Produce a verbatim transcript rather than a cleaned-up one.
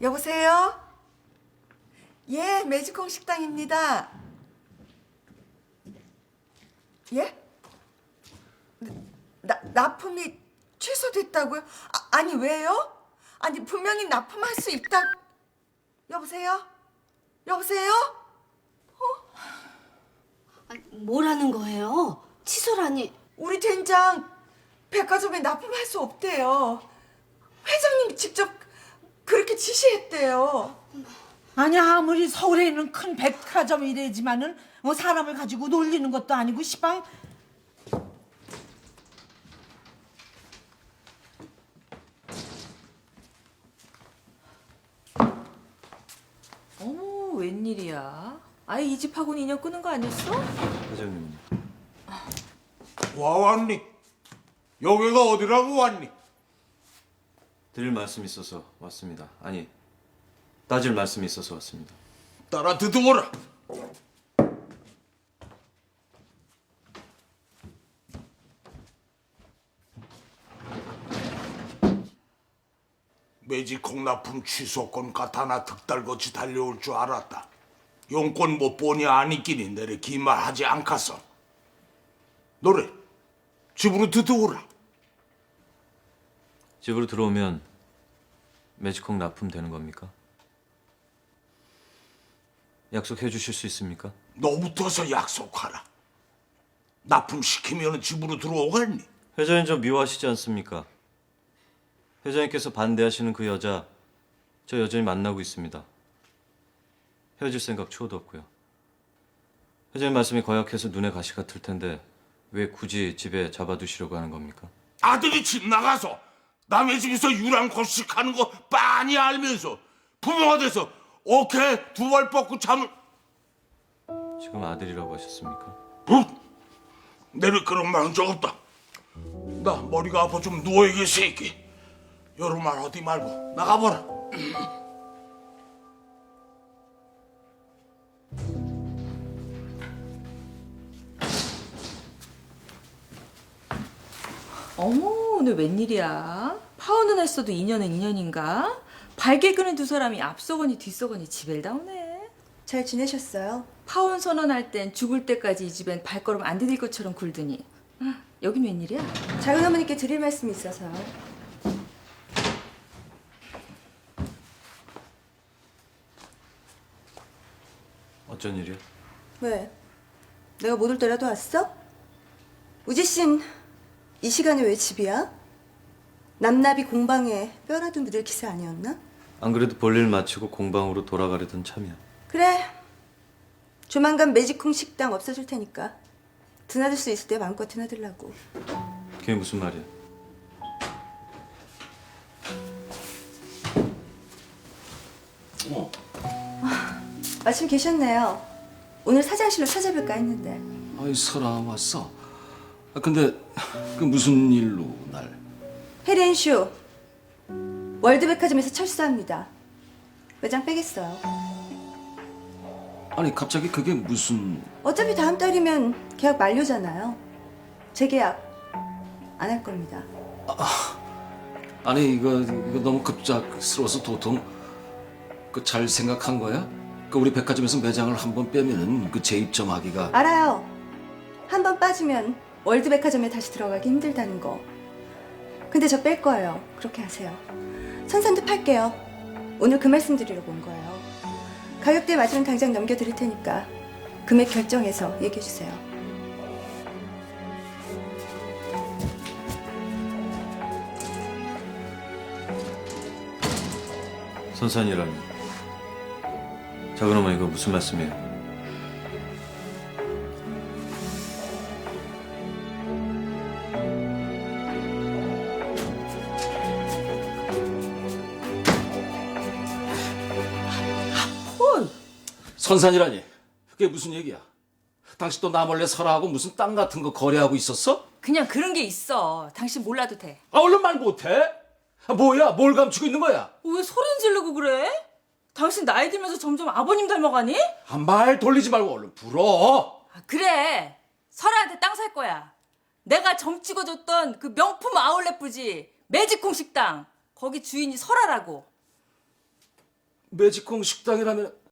여보세요? 예, 매직콩 식당입니다. 예? 나, 납품이 취소됐다고요? 아, 아니 왜요? 아니 분명히 납품할 수 있다. 여보세요? 여보세요? 아니, 뭐라는 거예요? 취소라니. 우리 된장 백화점에 납품할 수 없대요. 회장님이 직접 그렇게 지시했대요. 아니 아무리 서울에 있는 큰 백화점이래지만은 뭐 사람을 가지고 놀리는 것도 아니고 시방. 어머, 웬일이야? 아예 이 집하고는 인연 끊은 거 아니었어? 회장님. 와 왔니? 여기가 어디라고 왔니? 드릴 말씀이 있어서 왔습니다. 아니, 따질 말씀이 있어서 왔습니다. 따라 듣어보라. 매직콩 납품 취소권 가타나 득달같이 달려올 줄 알았다. 용건 못 보니 아니끼니 내래 기말하지 않겠어. 노래 집으로 듣어오라. 집으로 들어오면 매직콩 납품되는 겁니까? 약속해 주실 수 있습니까? 너부터서 약속하라. 납품시키면 집으로 들어오겠니? 회장님 좀 미워하시지 않습니까? 회장님께서 반대하시는 그 여자, 저 여전히 만나고 있습니다. 헤어질 생각 추호도 없고요. 회장님 말씀이 거약해서 눈에 가시 같을 텐데 왜 굳이 집에 잡아두시려고 하는 겁니까? 아들이 집 나가서 남의 집에서 유랑고식하는 거 빤히 알면서 부모가 돼서 어깨 두 발 뻗고 잠을. 지금 아들이라고 하셨습니까? 응? 내를 그런 말 한 적 없다. 나 머리가 아파 좀 누워있게 새끼. 여러 말 어디 말고 나가보라. 어머, 오늘 웬일이야? 파혼은 했어도 인연은 인연인가? 발길 끄는 두 사람이 앞서거니 뒤서거니 지벨 다우네. 잘 지내셨어요? 파혼 선언할 땐 죽을 때까지 이 집엔 발걸음 안 디딜 것처럼 굴더니 아, 여긴 웬일이야? 작은 어머니께 드릴 말씀이 있어서요. 어쩐 일이요? 왜? 내가 못 올 때라도 왔어? 우지 씨는 이 시간에 왜 집이야? 남나비 공방에 뼈라도 묻을 기세 아니었나? 안 그래도 볼일 마치고 공방으로 돌아가려던 참이야. 그래. 조만간 매직콩 식당 없어질 테니까 드나들 수 있을 때 마음껏 드나들라고. 그게 무슨 말이야? 어, 마침 계셨네요. 오늘 사장실로 찾아뵐까 했는데. 아이 설아 왔어. 아, 근데 그 무슨 일로 날? 헤리앤쇼 월드백화점에서 철수합니다. 매장 빼겠어요. 아니 갑자기 그게 무슨? 어차피 다음 달이면 계약 만료잖아요. 재계약 안 할 겁니다. 아니 이거 이거 너무 급작스러워서 도통 그 잘 생각한 거야? 그 우리 백화점에서 매장을 한 번 빼면은 그 재입점하기가. 알아요. 한 번 빠지면 월드백화점에 다시 들어가기 힘들다는 거. 근데 저 뺄 거예요. 그렇게 하세요. 선산도 팔게요. 오늘 그 말씀 드리려고 온 거예요. 가격대 맞으면 당장 넘겨드릴 테니까 금액 결정해서 얘기해 주세요. 선산이라니. 작은 어머니 이거 무슨 말씀이에요? 헐! 선산이라니. 그게 무슨 얘기야? 당신 또 나 몰래 설아하고 무슨 땅 같은 거 거래하고 있었어? 그냥 그런 게 있어. 당신 몰라도 돼. 아 얼른 말 못해? 아, 뭐야? 뭘 감추고 있는 거야? 왜 소린 지르고 그래? 당신 나이 들면서 점점 아버님 닮아가니? 아, 말 돌리지 말고 얼른 불어. 아, 그래. 설아한테 땅 살 거야. 내가 점 찍어줬던 그 명품 아울렛 부지 매직콩 식당. 거기 주인이 설아라고. 매직콩 식당이라면